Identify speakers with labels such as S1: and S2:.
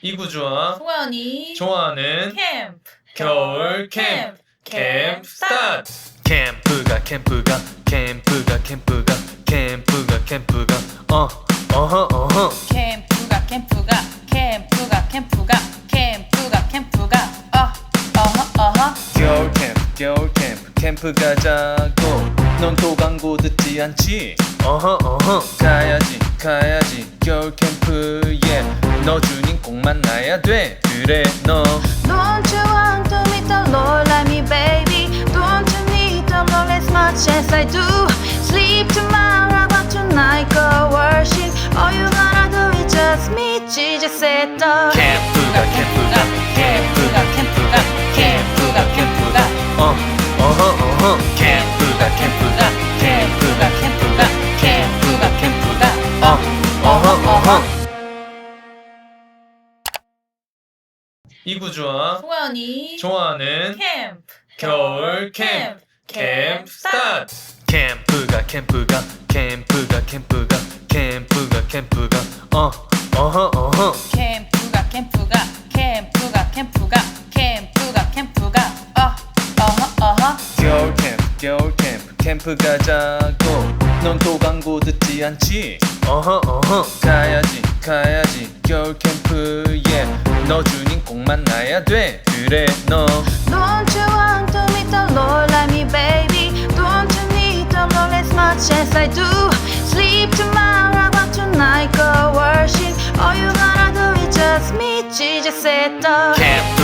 S1: 이구주와
S2: 소연이
S1: 좋아하는
S2: 캠프
S1: 겨울 캠프 캠프 스타트.
S3: 캠프가 겨울 캠프 가자고. 넌 또 광고 듣지 않지? 가야지 겨울 캠프에 너 주님 꼭 만나야 돼. 그래 너
S4: Don't you want to meet the Lord like me, baby? Don't you need the Lord as much as I do? Sleep tomorrow, but tonight go worship. All you gotta do is just meet Jesus at the
S3: 캠프가
S1: 이구주와
S2: 소연이
S1: 좋아하는
S2: 캠프
S1: 겨울 캠프 캠프 스타트.
S3: 캠프가 겨울 캠프 가자고. 넌 또 광고 듣지 않지? 가야지 겨울 캠프에 너 주님 꼭 만나야 돼. 그래 너
S4: Don't you want to meet the Lord like me, baby? Don't you need the Lord as much as I do? Sleep tomorrow, but tonight go worship. All you gotta do is just meet Jesus at the
S3: 캠프